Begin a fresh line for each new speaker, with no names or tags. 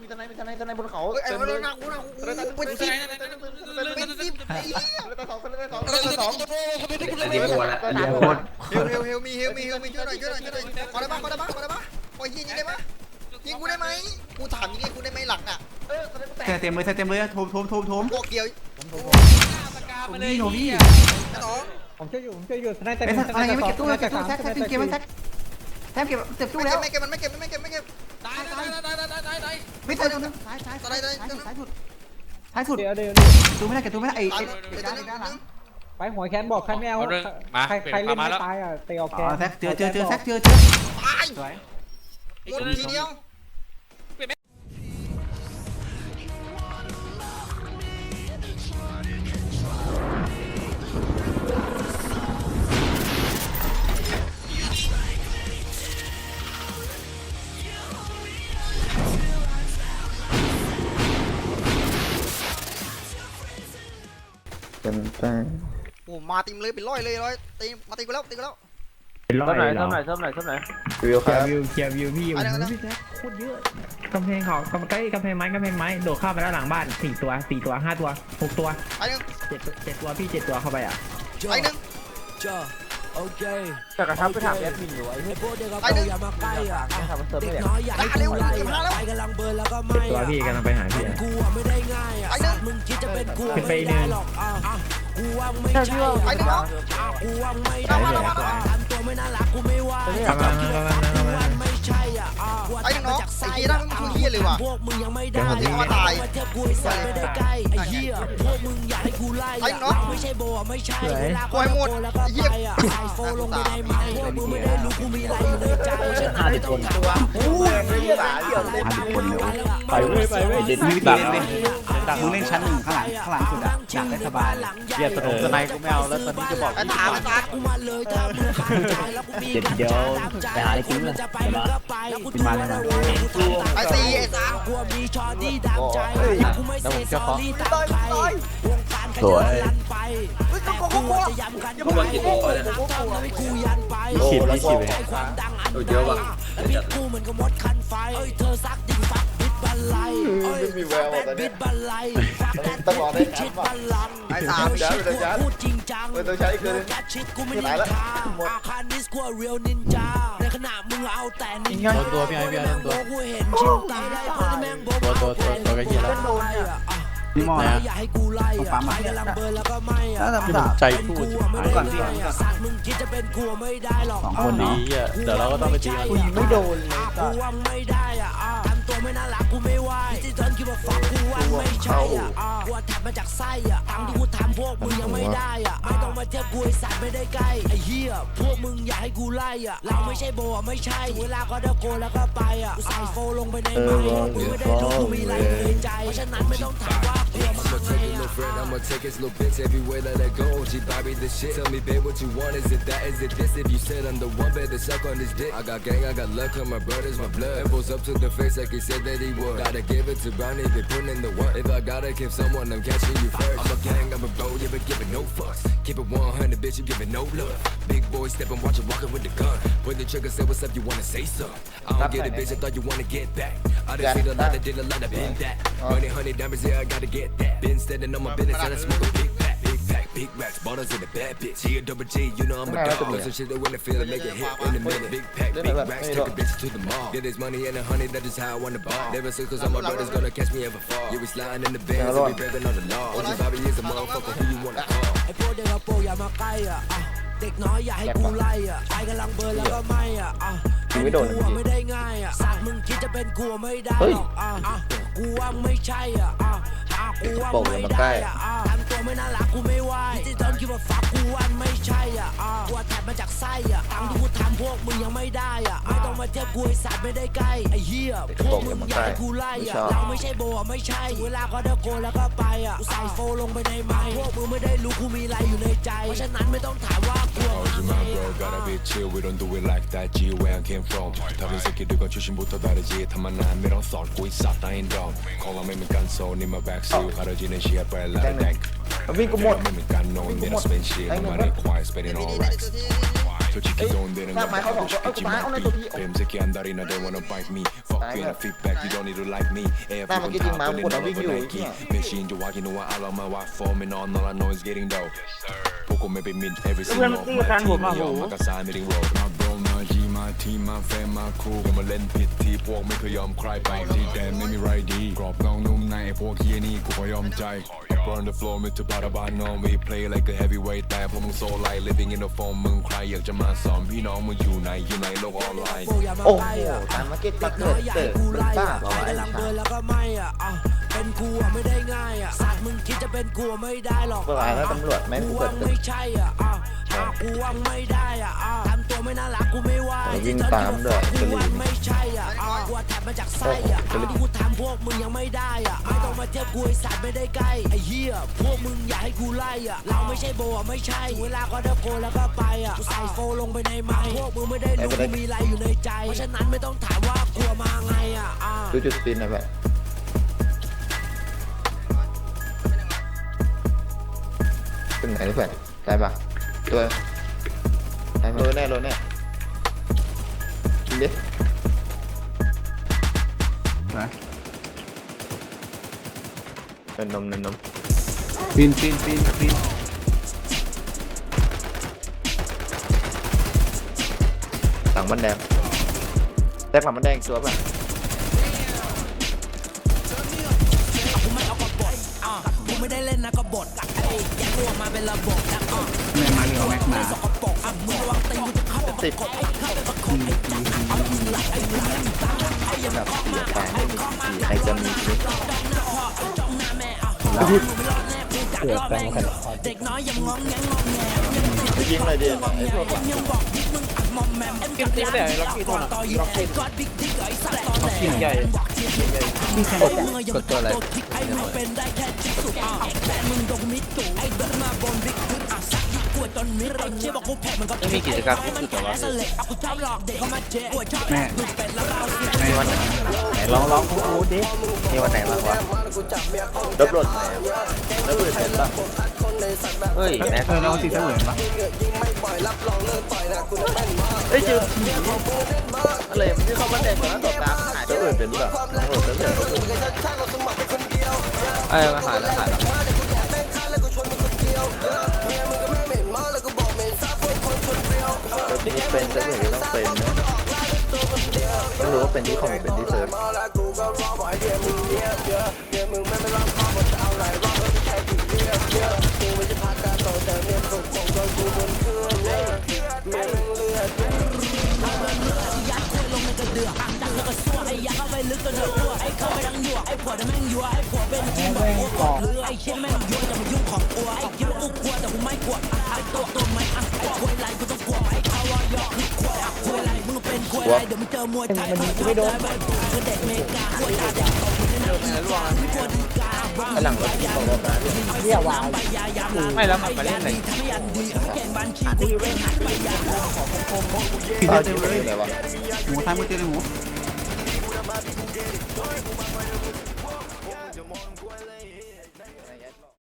ทนายบนเขา
ไอ้เรื่องหนักกูนะกูเป็นสิบไอ้เหี้ย
ตาสอง
เดี๋ยวหัวละ
เฮลมีช่วยหน่อยขอได้ปะขอยิงได้ปะยิงกูได้ไหมกูถามยิงกูได้ไหมหลังอ่ะ
เต็มเลยโถม
พวกเดียว
นี่โนวี่
น้อง
ผมช่วยอยู่ทนายแต่
ไอ้ทนายยังไม่เก็บตู้แท็กเกมมันแท็กแท็กเก็บเก็บตู้แล้ว
ไม่เก็บ
ไม่เจอซ้ายสุด
เดี๋ยว
ตู้ไม่ได้เก็บตู้ไม่ได้ไอ้ด้านหลัง
ไปหัวแคนบอกใครไม่เอาใครเล่นไม่ตายอ่ะเตะออกแคน
แท็กเจอแท็กเจอ
ตาย
สวย
หมดทีเดียว
เป็นแป้ง
โอ้มาตีมเลยเป็นร้อยตีมาตีกูแล้ว
เป็นร้อยเลยเหรอ
วิวครับ
เคลียร์วิวพี่อยู่พี่แจ๊คโคตรเยอะกำแพงเขาใกล้กำแพงไม้โดดเข้าไปแล้วหลังบ้าน4 ตัว5 ตัว6 ตัว
ไอ้หนึ่ง
7 ตัวพี่7 ตัวเข้าไปอ่ะ
ไอ้หนึ่ง
โอเค
แต่กระทับไปถามแอดมินอยู่ไอ้
ไอ้พวกเด็กกระโปรงอย่ามาใกล้อ่ะ
ทำมันเติม
เด็
ไม่
ก
ได้
น้อยอย่าให้กูไล่ไปกำลังเบิร์นแล้วก็ไม่
7 ตัวพี่กำลังไปหาพี่
กูอ่ะไม่ได้ง่ายอ่ะมึงคิดจะเป็นกูไม่ได้หรอกกูว่าไม่ใช่กูว่าไม่ได้ทำตัวไม่น่ารักกูไม่ว่ากูว่าไม่ใช่อ่ะ
ไอ้หนึ่งน้องไอ้เหี้ยนั่งมึงเหี้ยเลยว่ะ
พวกมึงยังไม่ได้
ที่เขาตาย
เทียบกูใส่ไม่ได้ใกล้ไอ้เหี้ยพวกมึงอยากให้กูไล่ไม่ใช่โบไม่ใช่เวลาก็โดนแล้วก็ไปอ่ะใส่โฟลงไปในไม้พวกมึงไม่ได้รู้กูมีอะไรอยู่ในใจฉันไม่ต้องถามว่ากูไม่ได้
ไปเว้ยเด็ดมีวิธีเล่น
มึงเล่นชั้น1ข้างหลังสุดอ่ะอยากได้สบาย
เกียร์สนายกูไม่เอาแล้วตอนนี้จะบอก
ไอ้ตา
กูมาเลยถ้ามึงขาดใจแล้วกูมี
เดี๋ยวไปหาอะไรกินเลย
จะไปมึงก็ไปกูมาแล้ว
ไอ้ตีไอ้ตา
กูมีชอดี้ดังใจกูไม่เสียสอรี่ตามใครวงการขยันลันไปแต่กูจะย้ำกันกูว่ากี่ตัวเลยนะกูยันไปความดังอันเยอะว่ะแล้วกูเหมือนกับมดคันไฟเธอซักดิ่งฟักบิดบันไลบิดบันไลต้องรอได้ชิดบันลัง
ไอ้ตา
พูดจริงจัง
ต้องใช้คือ
แกชิดกูไม่นินทาอาคารนิสกูเรียลนินจาในขณะมึงเอาแต่นินจาตัวพี่ไอ้พี่ไอ้ตัวกูเห็นชิวตาได้คนที่แม่งโบกตัวก็เหี้ยแล้ว
นี่มอนะ
อย่าให้กูไล่อะไปกำลังเบิร์นแล้วก็ไม่อะ
ใจพูด
ก่อนพี่สัตว์มึงคิดจะเป็นกูไม่ได้หรอก
2 คนเนาะ
เดี๋ยวเราก็ต้องไปตีกัน
กูยิงไม่โดนเลยกูว่าไม่ได้อะทำตัวไม่น่ารักกูไม่ไหวที่ตอนคิดว่าฝักกูว่าไม่ใช่อะกูแทบมาจากไส้อะตังที่กูทำพวกมึงยังไม่ได้อะไม่ต้องมาเทียบกูไอสัตว์ไม่ได้ใกล้ไอเหี้ยพวกมึงอย่าให้กูไล่อะเราไม่ใช่โบไม่ใช่เวลาก็เดโกแล้วก็ไปอะกูใส่โฟลงไปในไม้มึงไม่ได้รู้กูมีอะไรในใจเพราะฉะนั้นไม่ต้องถามว่ากู
I'ma take his little bitch everywhere that I go. She Bobby the shit. Tell me, babe, what you want? Is it that? Is it this? If you said I'm the one, better suck on this dick. I got gang, I got luck, 'cause my brother's my blood. Elbows up to the face like he said that he would. Gotta give it to Brownie, they putting in the work. If I gotta kill someone, I'm catching you first. I'm a gang, I'm a bro, you been giving no fucks. Keep it 100, bitch, you giving no love. Big boy stepping, watch you walking with the gun. When the trigger say what's up, you wanna say something. I don't get it, bitch, I thought you wanna get back. I done seen a lot, I did a lot, I been that. Money, honey, diamonds, yeah, I gotta get that. Been standing on my business, and I smoke a big pack. Big racks, bottles in the bad bitch. He a double G, you know I'm a dog. Love some shit that when I feel it, make it hit in a minute. Big pack, big racks, take a bitch to the mall. Get this money and the honey, that is how I wanna ball. Never say 'cause all my brothers gonna catch me ever fall. You be sliding in the bands, and be better on the law. OG Bobby is a motherfucker, who you wanna call?
ไอ้พวกเด็กกระโปรงอย่ามาใกล้อ่ะเด็กน้อยอย่าให้กูไล่อ่ะไปกำลังเบิร์นแล้วก็ไม่อ่ะเป็นกูไม่ได้ง่ายอ่ะสัตว์มึงคิดจะเป็นกูไม่ได้หรอกกูว่าไม่ใช่อ่ะกูว่าไม่ได้อ่ะทำตัวไม่น่ารักกูไม่ไหวที่ตอนคิดว่าฝักกูว่าไม่ใช่อ่ะกูแทบมาจากไส้อ่ะตังที่กูทำพวกมึงยังไม่ได้อ่ะไม่ต้องมาเทียบกูไอสัตว์ไม่ได้ใกล้ไอ้เหี้ยพวกมึงอยากให้กูไล่อ่ะเราไม่ใช่โบไม่ใช่เวลาก็เดโกแล้วก็ไปอ่ะกูใส่โฟลงไปในไม้พวกมึงไม่ได้รู้กูมีอะไรอยู่ในใจเพราะฉะนั้นไม่ต้องถามว่ากู
my bro, gotta be chill. We don't do it like that. G where I came from. 다른 새끼들과 출신부터 다르지. 다만 난 미련 썰고 있어. 나인 덤. 콜라매면 깐소. 니마 백수. 가려지는 시야 빨라. nek.
วิ่งกูหมด
매면 깐노. 니나 spend shit. 나만의 quiet. Spending all racks. 솔직히 돈 되는 건 다 하고 싶겠지만 뱀새끼 한 달이나 they wanna bite me. Fuck
แบบ
feedback you don't need to like me
หน้ามันก็จริงมาหมดแล้ววิ่งอยู่
machine จะว่ากินว่าเอาเรามาว่า form and all I know is getting dough พวกกูไม่ไป mid every single my team ไม่ยอมมากระซายไม่ได้ roll my bro my G my team my fam my crew มาเล่นผิดที่พวกไม่เคยยอมใครไปที่แดนไม่มีไรดีกรอบเงานุ่มในพวกเฮียนี่กูก็ยอมใจ burn the floor ไม่ถือบาร์บานอน we play like a heavyweight แต่พวกมึงโซไล living in the form มึงใครอยากจะมาสอนพี่น้องมึงอยู่ในโลกออนไลน์
โอ้โหตามมาเก็ตมาเกิดเป็นบ้าเปล่าวะ
กำลังเดินแล้วก็ไม่เป็นกูไม่ได้ง่ายสัตว์มึงคิดจะเป็นกูไม่ได้หรอก
เปิดอะไรแล้วตำรวจแม่ง
กู
เปิ
ว่า
ด
ไม่ใช่กูว่าไม่ได้ทำตัวไม่น่ารักกูไม่ไหว
วิ่งตามด้วย
กูว่าไม่ใช่กูแทบมาจากไส้ที่กูทำพวกมึงยังไม่ได้ไม่ต้องมาเทียบกูไอ้สัตว์ไม่ได้ใกล้ไอ้เหี้ยพวกมึงอย่าให้กูไล่เราไม่ใช่โบไม่ใช่เวลาก็เดินโกแล้วก็ไปกูใส่โฟลงไปในไม้พวกมึงไม่ได้รู้มีอะไรอยู่ในใจเพราะฉะนั้นไม่ต้องถามว่ากลัวมาไง
ดูจุดสปินหน่อยแบบเป็นไหนเพื่อนได้ปะตัวได้โรยแน่กินดิเป็นนม
ปีน
หลังมันแดงแตกหลังมันแดงตัวป่ะ
กูไม่ได้เล่นนะกบฏแยกตัวมาเป็นระบบนะ
แม่มาเรียวแม็กมา
สกปรกมึงระวังตีนกูจะเข้าไปประกบเข้าไปประคบจับเอามึงรักอย่ามาข้อมา
ใครจะมีชีวิต
จ้องหน้าแม่มึงไม่รอดแน่กูกัดรอบแม่เด็กน้อยยังงองแง
ยิงเลยดิไอ้พวก
ยังบอกดิมึงอัดมอมแมม
เก็บติ๊กแต่ล็อกกี้ตัวน่ะล็อกกี้
กอดบิ๊กดิ๊กไอ้สัตว์ตอนแหล
ใหญ่
กดตัวอะไรไอ้มึงเป็นได้แค่จิ๊กสุดแฟนมึงโดนมิดตู่ไอ้เดินมาบนบิ๊กดิ๊กซักยิ่งกลัวจนมิดเชี่ยบอกกูแพ้มันก็
มีกิจกรรมที่สุดแต่ว่า
กูชอบหลอกเด็กเข้ามาเจ๊กูชอบดูเป็ดแล้วเราเสีย
ในวันไหนลองพูดดิมีวันไหนบ้างวะ
ดับรถเป็นป่ะ
เฮ้ยแม็ก
เราติดเสมือนปะ
เฮ้ยเจออะไรที่เขามาแดงก่อนแล้วตบตาหายตัวอื่นเป็นป่ะ
มาหายแล้ว
ที่เป็นจะอื่นต้องเป็นนะต้องรู้ว่าเป็นที่คอมเป็นที่เซิร์ฟ
ว่าเดี๋ยวมึงเจอมวยไทยไม่โดนเด็กเมกาหัวตาแดง
หลังรถของรถนะ
เรียกว่า
ไม่แล้วมันมาเล่นไหน
ตาจิ้มเลยอะไรวะ
หมูทำมือเจอหมู